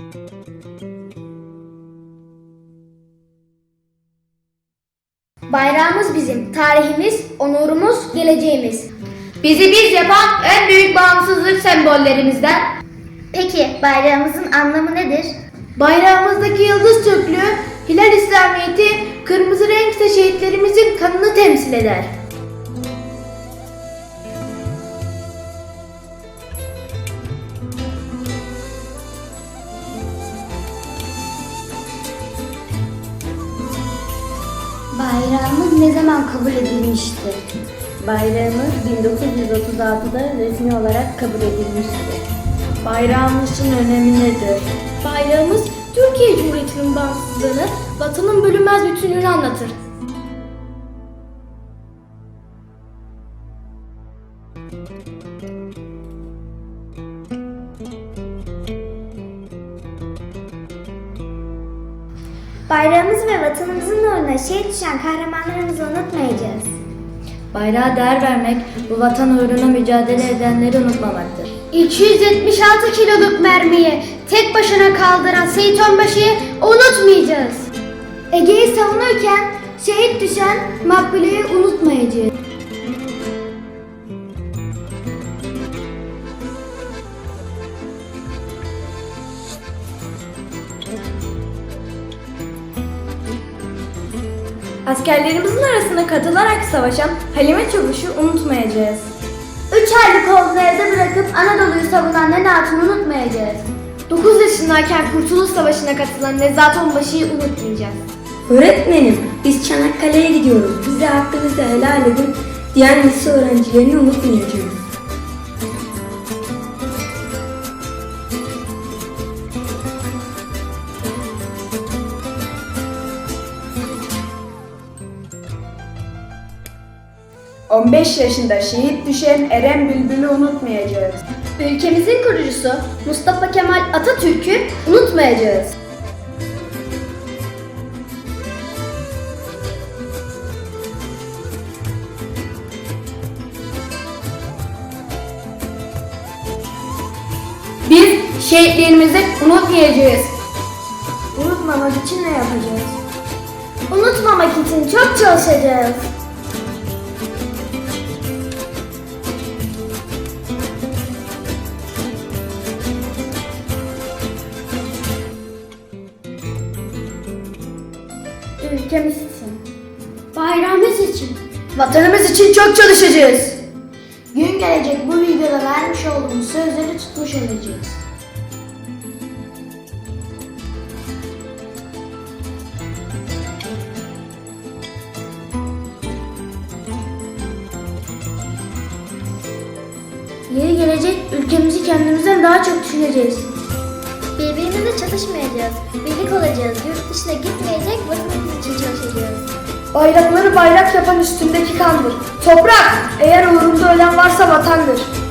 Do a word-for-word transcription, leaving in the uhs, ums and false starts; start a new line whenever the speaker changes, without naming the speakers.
Bayrağımız bizim, tarihimiz, onurumuz, geleceğimiz.
Bizi biz yapan en büyük bağımsızlık sembollerimizden.
Peki bayrağımızın anlamı nedir?
Bayrağımızdaki yıldız Türklüğü, hilal İslamiyeti, kırmızı renk ise şehitlerimizin kanını temsil eder.
Bayrağımız ne zaman kabul edilmiştir?
Bayrağımız bin dokuz yüz otuz altıda resmi olarak kabul edilmiştir. Bayrağımızın önemi nedir? Bayrağımız Türkiye Cumhuriyeti'nin bağımsızlığını, vatanın bölünmez bütünlüğünü anlatır.
Bayrağımız ve vatanımızın uğruna şehit düşen kahramanlarımızı unutmayacağız.
Bayrağa değer vermek, bu vatan uğruna mücadele edenleri unutmamaktır.
iki yüz yetmiş altı kiloluk mermiyi tek başına kaldıran Seyit Onbaşı'yı unutmayacağız. Ege'yi savunurken şehit düşen Makbule'yi unutmayacağız.
Askerlerimizin arasına katılarak savaşan Halime Çavuş'u unutmayacağız.
Üç aylık oğlunu evde bırakıp Anadolu'yu savunan Nene Hatun'u unutmayacağız.
dokuz yaşındayken Kurtuluş Savaşı'na katılan Nezahat Onbaşı'yı unutmayacağız.
Öğretmenim, biz Çanakkale'ye gidiyoruz. Bize hakkınızı helal edin diyen lise öğrencilerini unutmayacağız.
on beş yaşında şehit düşen Eren Bülbül'ü unutmayacağız.
Ülkemizin kurucusu Mustafa Kemal Atatürk'ü unutmayacağız.
Biz şehitlerimizi unutmayacağız. Unutmamak için ne yapacağız?
Unutmamak için çok çalışacağız. Ülkemiz için, bayrağımız için,
Vatanımız için çok çalışacağız.
gün gelecek bu videoda vermiş olduğumuz sözleri tutmuş olacağız.
Yeri gelecek ülkemizi kendimizden daha çok düşüneceğiz.
Birbirimizle çatışmayacağız, birlik olacağız, yurt dışına gitmeyecek, vatanımız için çalışacağız.
Bayrakları bayrak yapan üstündeki kandır. Toprak, eğer uğrunda ölen varsa vatandır.